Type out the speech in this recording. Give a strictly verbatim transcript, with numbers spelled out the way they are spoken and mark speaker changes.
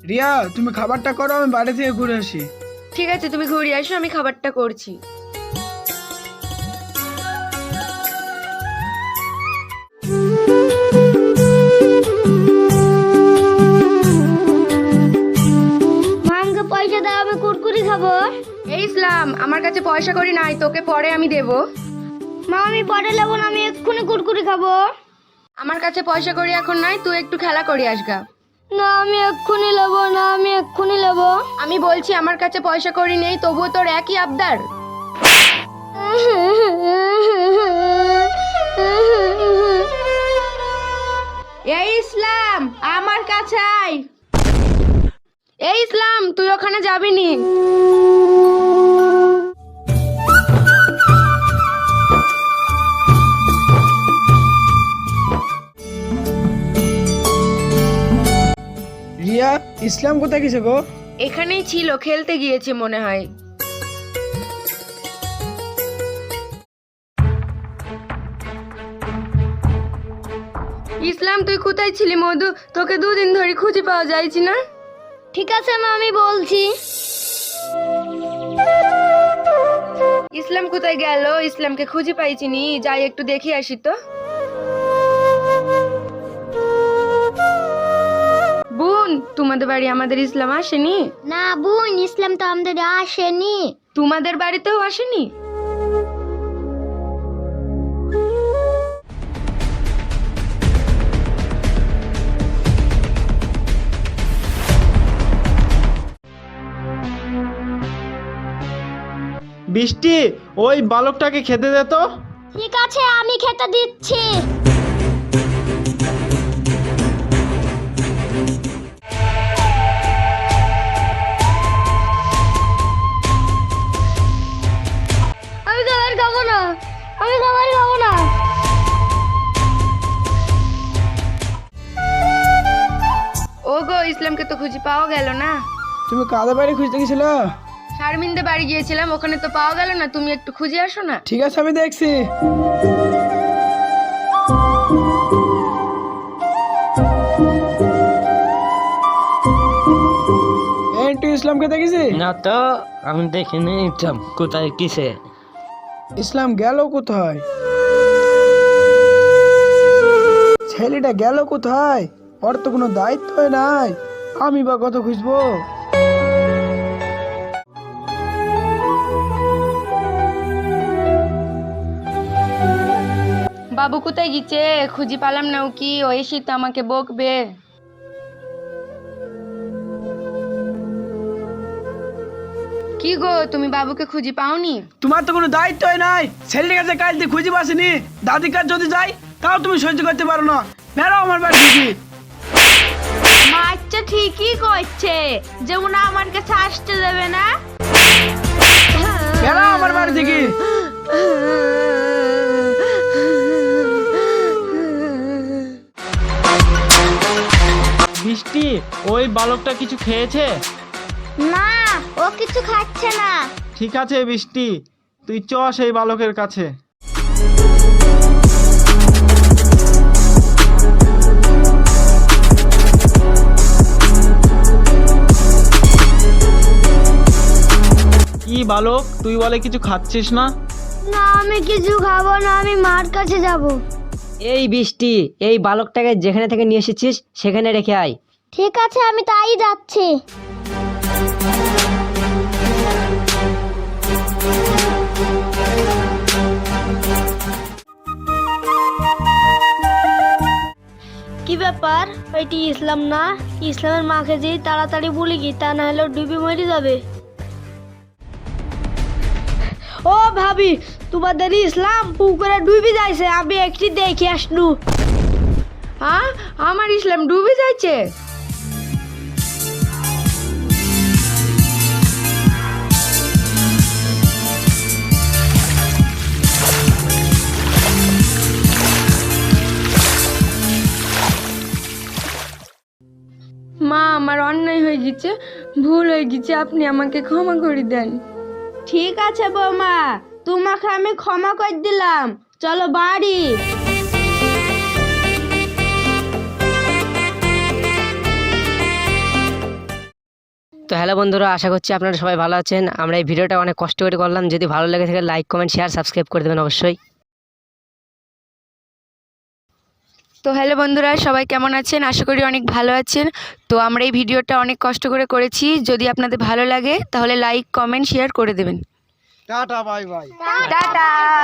Speaker 1: রিয়া, তুমি খাবারটা করো, আমি বাড়ি থেকে ঘুরে আসি।
Speaker 2: ঠিক আছে, তুমি ঘুরে আসো, আমি খাবারটা করছি।
Speaker 3: মামকে পয়সা দাও, আমি কুরকুরি খাবো।
Speaker 2: এই ইসলাম, আমার কাছে পয়সা করি নাই, তোকে পরে আমি দেবো।
Speaker 3: মা আমি পরে নেবো না, আমি এক্ষুনি কুরকুরি খাবো।
Speaker 2: আমার কাছে পয়সা করি এখন নাই, তুই একটু খেলা করি আসগা।
Speaker 3: না আমি এক্ষুনি নেবো না, আমি এক্ষুনি নেবো।
Speaker 2: আমি বলছি আমার কাছে পয়সা করি নেই, তবুও তোর একই আবদার। এই ইসলাম, আমার কাছে আয়। এই ইসলাম, তুই ওখানে যাবি নি।
Speaker 1: রিয়া, ইসলাম কোথায় গেছে গো?
Speaker 2: এখানেই ছিল, খেলতে গিয়েছে মনে হয়। ইসলাম, তুই কোথায় ছিলি মধু? তোকে দুদিন ধরে খুঁজে পাওয়া যাইছি না।
Speaker 3: ঠিক আছে মা, আমি বলছি।
Speaker 2: ইসলাম কোথায় গেল? ইসলামকে খুঁজে পাইছি নি, যাই একটু দেখে আসি তো। বোন, তোমাদের বাড়ি আমাদের ইসলাম আসেনি?
Speaker 3: না বোন, ইসলাম তো আমাদের আসেনি।
Speaker 2: তোমাদের বাড়িতেও আসেনি?
Speaker 4: বৃষ্টি, ওই বালকটাকে খেতে দে তো।
Speaker 3: ঠিক আছে, আমি খেতে দিচ্ছি। আমি খাবার খাবো না, আমি খাবার খাবো না।
Speaker 2: ও গো, ইসলামকে তো খুঁজে পাওয়া গেল না।
Speaker 1: তুমি কাদের বাড়ি খুঁজতে গেছিল?
Speaker 2: শারমিনদের বাড়ি গিয়েছিলাম, ওখানে তো পাওয়া গেল না, তুমি একটু খুঁজে আসো না।
Speaker 1: ঠিক আছে, আমি দেখছি। এই তুই ইসলামকে দেখেছি?
Speaker 5: না তো, আমি দেখিনি ইসলাম কোথায় কিসে।
Speaker 1: ইসলাম গেল কোথায়? ছেলেটা গেল কোথায়? ওর তো কোনো দায়িত্ব নাই, আমি বা কত খুঁজবো।
Speaker 2: বাবু কোথায় গেছে? খুঁজে পালাম না, ও কি ও এসে তো আমাকে বকবে। কি গো, তুমি বাবুকে খুঁজে পাওনি?
Speaker 1: তোমার তো কোনো দায়িত্বই নাই। ছেলেটার কাছে কাল দিয়ে খুঁজে পাসনি, দাদির কাছে যদি যাই তাও তুমি সহ্য করতে পারো না। বেরো আমার বাড়ি থেকে।
Speaker 2: বাচ্চা ঠিকই করছে, যেমন আমার কাছে আসতে দেবে না।
Speaker 1: বেরো আমার বাড়ি থেকে।
Speaker 4: বৃষ্টি, ওই বালকটা কিছু খেয়েছে?
Speaker 3: না, ও কিছু খাচ্ছে না।
Speaker 4: ঠিক আছে বৃষ্টি, তুই চ সেই বালকের কাছে। কি বালক, তুই বলে কিছু খাচ্ছিস না?
Speaker 3: না আমি কিছু খাবো না, আমি মার কাছে যাব।
Speaker 6: এই বৃষ্টি, এই বালকটাকে যেখানে থেকে নিয়ে এসেছিস সেখানে রেখে আয়।
Speaker 3: ঠিক আছে, আমি তাই যাচ্ছি। কি ব্যাপার, এটি ইসলাম না? ইসলামের মাকে যে তাড়াতাড়ি বলি কি, তা না হলে ডুবে মরে যাবে। ও ভাবি, তোমাদের ইসলাম পুকুরে ডুবে যাইছে, আমি একটি দেখে আসনু।
Speaker 2: হ্যাঁ, আমার ইসলাম ডুবে যাচ্ছে? মা, আমার অন্যায় হয়ে গেছে, ভুল হয়ে গেছে, আপনি আমাকে ক্ষমা করে দেন। ঠিক আছে বৌমা, তোমাকে আমি ক্ষমা করে দিলাম, চলো বাড়ি।
Speaker 6: তো হ্যালো বন্ধুরা, আশা করছি আপনারা সবাই ভালো আছেন। আমরা এই ভিডিওটা অনেক কষ্ট করে করলাম। যদি ভালো লেগে থাকে লাইক কমেন্ট শেয়ার সাবস্ক্রাইব করে দেবেন অবশ্যই।
Speaker 2: তো হ্যালো বন্ধুরা, সবাই কেমন আছেন? আশা করি অনেক ভালো আছেন। তো আমরা এই ভিডিওটা অনেক কষ্ট করে করেছি। যদি আপনাদের ভালো লাগে তাহলে লাইক কমেন্ট শেয়ার করে দেবেন।
Speaker 1: Tata bye bye.
Speaker 2: টাটা।